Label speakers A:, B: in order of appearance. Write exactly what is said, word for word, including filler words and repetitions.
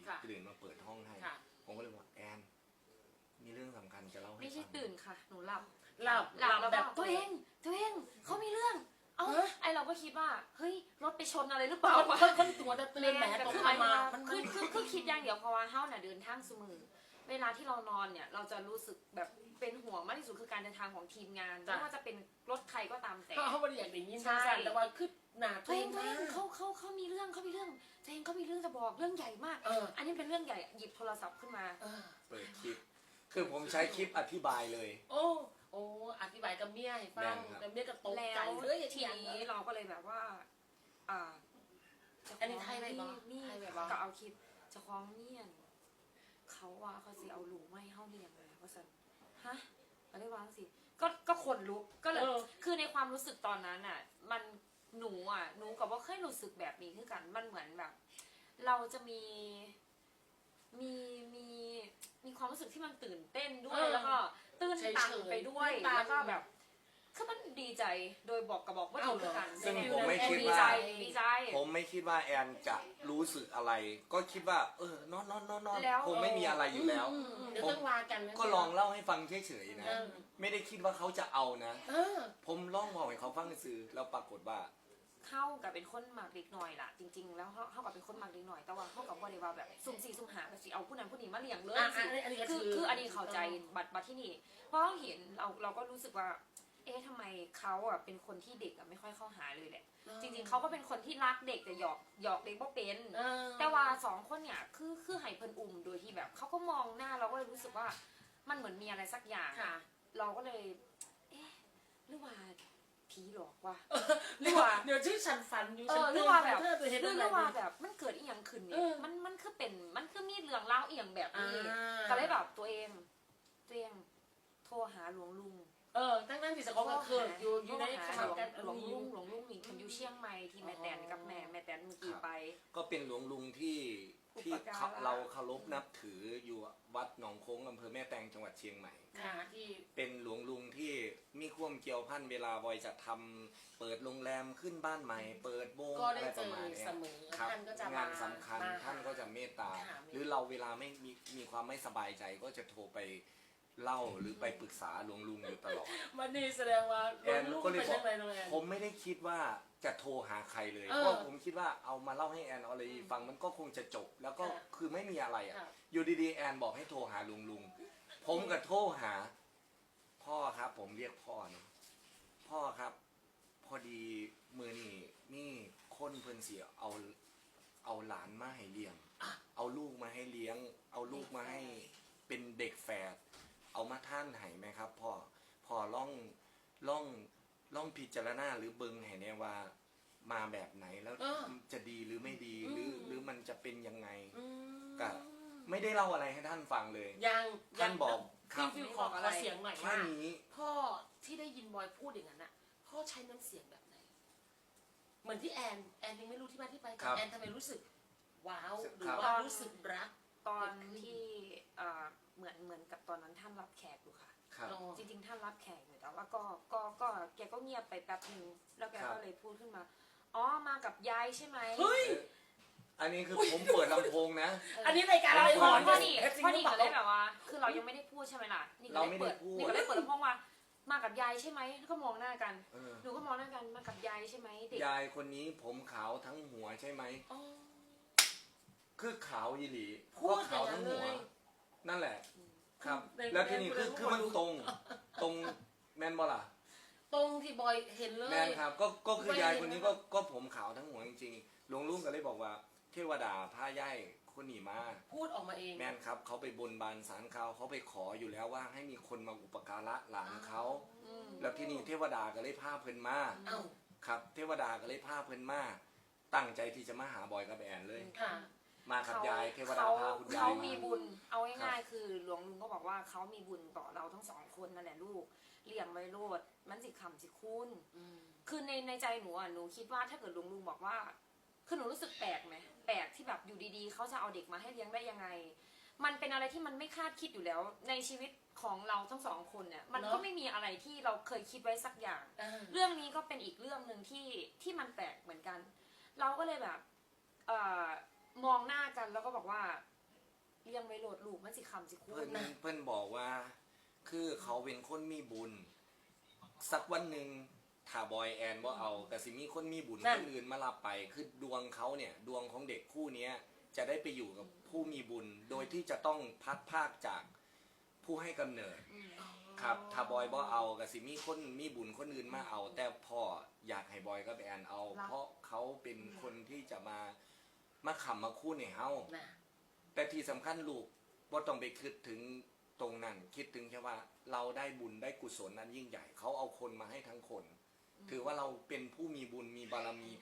A: ตื่นมาเปิดห้องให้ผมก็เลยบอกแอนมีเรื่องสำคัญจะเล่าให้ฟังไม่
B: ใช่ตื่นค่ะหนูหลับ
C: หลับ
B: หลับแล้วแบบตัวเองตัวเองเขามีเรื่องเอ้าไอเราก็คิดว่าเฮ้ยรถไปชนอะไรหรือเปล่า
C: เขาเขาตัวจะเตือนแหมตกมา
B: คือคือคือคิดอย่างเดียวเพราะว่าเฮ้าน่ะเดินทางเสมอเวลาที่เรานอนเนี่ยเราจะรู้สึกแบบเป็นห่วงมากที่สุดคือการเดินทางของทีมงานไม่ว่าจะเป็นรถใครก็ตามแต่
C: เขาไม่ได้อยากได้ยินใช่แต่ว่าคือหนา
B: ตัวเองตัวเองเขาเขาเขามีเรื่องเขามีเรื่องตัวเองเขามีเรื่องจะบอกเรื่องใหญ่มากอันนี้เป็นเรื่องใหญ่หยิบโทรศัพท์ขึ้นมา
A: เปิดคลิปคือผมใช้คลิปอธิบายเลย
C: โอ้โอ้อธิบายกับเมียให้ฟังแต่เมียก็ตกใจเฮ้ย
B: ทีนี้เราก็เลยแบบว่าอ่า
C: อันนี้ไทยไหมบ้าง
B: นี่ก็เอาคลิปจะคล้องเมียนเขาว่าเขาสิเอาลูกไม่ให้เขาเลี้ยงเลยว่าสันฮะอะไรวะสิก็ก็ขนลุกก็เลยคือในความรู้สึกตอนนั้นอ่ะมันหนูอ่ะหนูกับว่าเคยรู้สึกแบบนี้คือกันมันเหมือนแบบ เราจะมีมีมีมีความรู้สึกที่มันตื่นเต้นด้วยแล้วก็ตื่นตันไปด้วยแล้วก็แบบคือมันดีใจโดยบอกกับบอกว่าถูกกัน
A: ซึ่งผมไม่คิดว่าผมไม่คิดว่าแอนจะรู้สึกอะไร ก็คิดว่าเออนอนนอนนอนนอนคงไม่มีอะไรอยู่แล้วผมก็ลองเล่าให้ฟังเฉยๆนะไม่ได้คิดว่าเขาจะเอานะผมลองบอกให้เขาฟังซื่อแล้วปรากฏว่า
B: เข้ากับเป็นคนหมากเล็กหน่อยล่ะจริงๆแล้วเข้ากับเป็นคนหมากเล็กหน่อยแต่ว่าเข้ากับว่าเดี๋ยวแบบสุ่มสี่สุ่มหาสิเอาผู้นั้นผู้นี้มาเลี้ยงเลยสิคือคืออันนี้เข้าใจบัตรบัตรที่นี่เพราะเห็นเราเราก็รู้สึกว่าเอ๊ะทำไมเขาอ่ะเป็นคนที่เด็กอ่ะไม่ค่อยเข้าหาเลยแหละจริงๆเขาก็เป็นคนที่รักเด็กแต่หยอกหยอกเด็กบ่เป็นแต่ว่าสองคนเนี่ยคือคือให้เพิ่นอุ้มโดยที่แบบเขาก็มองหน้าเราก็เลยรู้สึกว่ามันเหมือนมีอะไรสักอย่างเราก็เลยเอ๊ะหรือว่าผีหลอกว่ะ
C: หรือว่าเดี๋ยวชื่อฉันฝันอยู่ฉัน
B: หรือว่าแบบหรือว่าแบบมันเกิดอีหยังขึ้นเนี่ยมันมันคือเป็นมันคือมีเรื่องเล่าอีหยังแบบนี้ก็เลยแบบตัวเองตัวเองโทรหาหลวงลุง
C: เออตั้งนั้นที่สกอตก็คืออยู่อยู่ในขณะกัน
B: หลวงลุงหลวงลุงนี่คนอยู่เชียงใหม่ที่แม่แตนกับแม่แม่แตนเมื่อกี้ไป
A: ก็เป็นหลวงลุงที่ที่เราเคารพนับถืออยู่วัดหนองโค้งอำเภอแม่แตงจังหวัดเชียงใหม่
C: ที่
A: เป็นหลวงลุงที่มีความเกี่ยวพันเวลาบอยจะทำเปิดโรงแรมขึ้นบ้านใหม่เปิดวงอะไรประมาณนี้ครับงานสำคัญท่านก็จะเมตตาหรือเราเวลาไม่มีมีความไม่สบายใจก็จะโทรไปเล่าหรือไปปรึกษาหลวงลุงอยู่ตลอด
C: มันนี่แสดงว่า
A: แอนก็เลยบอกผมไม่ได้คิดว่าจะโทรหาใครเลยเพราะผมคิดว่าเอามาเล่าให้แอนออลฟังมันก็คงจะจบแล้วก็คือไม่มีอะไรอ่ะอยู่ดีๆแอนบอกให้โทรหาลุงลุงผมก็โทรหาพ่อครับผมเรียกพ่อเนาะพ่อครับพอดีมือนี่นี่คนเพิ่นเสียเอาเอาหลานมาให้เลี้ยงเอาลูกมาให้เลี้ยงเอาลูกมาให้เป็นเด็กแฝดเอามาท่านให้ไหมครับพ่อพ่อล่องล่องล่องพิจารณาหรือเบิงให้แน่ว่ามาแบบไหนแล้วจะดีหรือไม่ดีหรือหรือมันจะเป็นยังไงก็ไม่ได้เล่าอะไรให้ท่านฟังเลย
C: ยัง
A: ท่านบอก
C: ครับฟิวขอขอเสียงหน่อยว่าพ่อที่ได้ยินบอยพูดอย่างนั้นน่ะพ่อใช้น้ำเสียงแบบไหนเหมือนที่แอนแอนยังไม่รู้ที่มาที่ไปแต่แอนทำไมรู้สึกว้าวหรือว่ารู้สึกรัก
B: ตอนที่เหมือนเหมือนกับตอนนั้นท่านรับแขกอยู่ค่ะจริงๆท่านรับแขกอยู่แต่ว่าก็ก็ก็แกก็เงียบไปแป๊บนึงแล้วแกก็เลยพูดขึ้นมาอ๋อมากับยายใช่ไหม
C: เฮ้ย
A: อันนี้คือผมเปิดลำโพงนะ
C: อันนี้รายการอะไร
B: พอพอนี่พอนี่ก็เลยแบบว่าคือเรายังไม่ได้พูดใช่ไหมล่ะนี่ก็เลยเปิดนี่ก็เลยเปิดลำโพงว่ามากับยายใช่ไหมก็มองหน้ากันหนูก็มองหน้ากันมากับยายใช่ไหมเด็ก
A: ยายคนนี้ผมขาวทั้งหัวใช่ไหมคือขาวยีหลีเพราะขาวทั้งหัวนั่นแหละครับแล้วทีนี้คือคือมันตรงตรงแมนบอล่ะ
C: ตรงที่บอยเห็นเลย
A: แมนครับก็ก็คือยายคนนี้ก็ก็ผมขาวทั้งหัวจริงๆหลวงลุงก็เลยบอกว่าเทวดาพาย่ายคนหนีมา
C: พูดออกมาเอง
A: แมนครับเขาไปบนบานศาลเขาเขาไปขออยู่แล้วว่าให้มีคนมาอุปการะหลานเขาแล้วที่นี่เทวดาก็เลยพาเพิ่นมาครับเทวดาก็เลยพาเพิ่นมาตั้งใจที่จะมาหาบอยกับแอนเลยมากับยายเทวดาพาคุณยาย
B: เขามีบุญเอาง่ายๆคือหลวงลุงก็บอกว่าเขามีบุญต่อเราทั้งสองคนนั่นแหละลูกเลี้ยงไว้โลดมันสิคำสิคุณคือในในใจหนูอ่ะหนูคิดว่าถ้าเกิดหลวงลุงบอกว่าคือหนูรู้สึกแปลกไหมแปลกที่แบบอยู่ดีๆเขาจะเอาเด็กมาให้เลี้ยงได้ยังไงมันเป็นอะไรที่มันไม่คาดคิดอยู่แล้วในชีวิตของเราทั้งสองคนเนี่ยมันก็ไม่มีอะไรที่เราเคยคิดไว้สักอย่างเรื่องนี้ก็เป็นอีกเรื่องหนึ่งที่ที่มันแปลกเหมือนกันเราก็เลยแบบเอ่อมองหน้ากันแล้วก็บอกว่าเลี้ยงไว้โหลดลูกมันสิคำสิคู
A: เพิ่น
B: นะ
A: เพิ่นบอกว่า คือเขาเป็นคนมีบุญ สักวันหนึ่งถ้าบอยแอนบ่เอาแต่สิมีคนมีบุญคนอื่นมารับไป คือดวงเขาเนี่ยดวงของเด็กคู่เนี้ยจะได้ไปอยู่กับผู้มีบุญ โดยที่จะต้องพัดภาคจากผู้ให้กำเนิด ครับถ้าบอยบ่เอาก็สิมีคนมีบุญคนอื่นมาเอา แต่พ่ออยากให้บอยกับแอนเอา เพราะเขาเป็นคนที่จะมามาขำมาคู่ในเฮา
C: น่ะ
A: แต่ที่สำคัญลูกบ่ต้องไปคิดถึงตรงนั้น คิดถึงแค่ว่าเราได้บุญได้กุศลนั้นยิ่งใหญ่ เขาเอาคนมาให้ทั้งคน ถือว่าเราเป็นผู้มีบุญมีบารมี